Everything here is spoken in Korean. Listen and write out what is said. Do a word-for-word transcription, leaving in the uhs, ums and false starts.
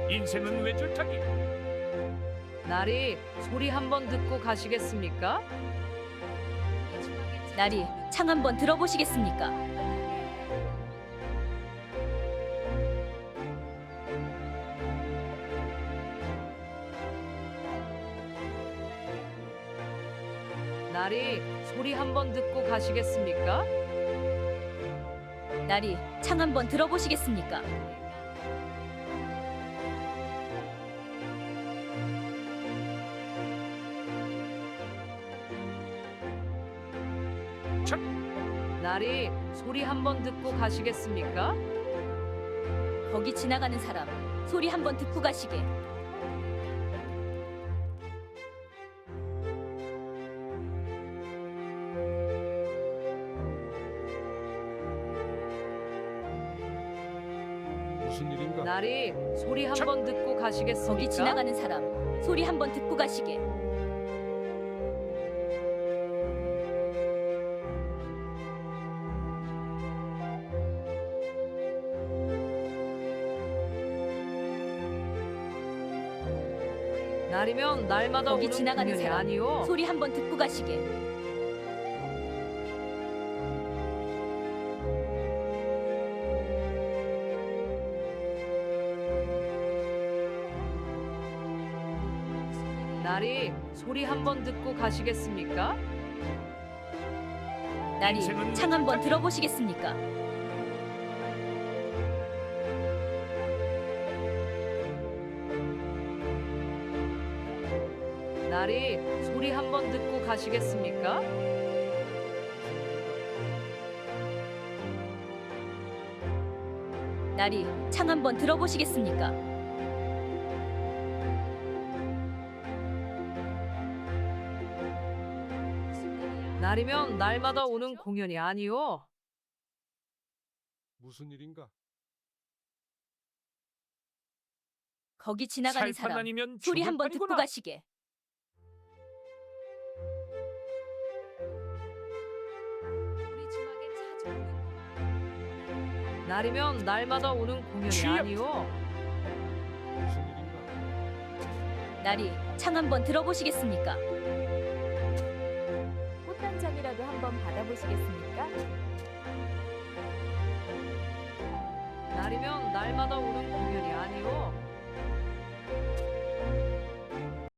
인생은 외줄타기. 나리, 소리 한번 듣고 가시겠습니까? 나리, 창 한번 들어보시겠습니까? 나리, 소리 한번 듣고 가시겠습니까? 나리, 창 한번 들어보시겠습니까? 첫 나리, 소리 한번 듣고 가시겠습니까? 거기 지나가는 사람, 소리 한번 듣고 가시게. 무슨 일인가? 나리, 소리 한번 듣고 가시겠습니까? 거기 지나가는 사람, 소리 한번 듣고 가시게. 날이면 날마다 거기 오는 지나가는 공연이 사람, 아니요. 소리 한번 듣고 가시게. 나리, 소리 한번 듣고 가시겠습니까? 나리, 인생은 창 한번 외줄타기. 들어보시겠습니까? 나리, 소리 한번 듣고 가시겠습니까? 나리, 창 한번 들어보시겠습니까? 날이면 날마다 오는 공연이 아니요. 무슨 일인가? 거기 지나가는 살판 사람, 아니면 소리 죽을 한번 듣고 판이구나. 가시게. 날이면 날마다 오는 공연이 취업. 아니요. 무슨 일인가? 나리, 창 한번 들어보시겠습니까? 꽃 한 장이라도 한번 받아보시겠습니까? 날이면 날마다 오는 공연이 아니요.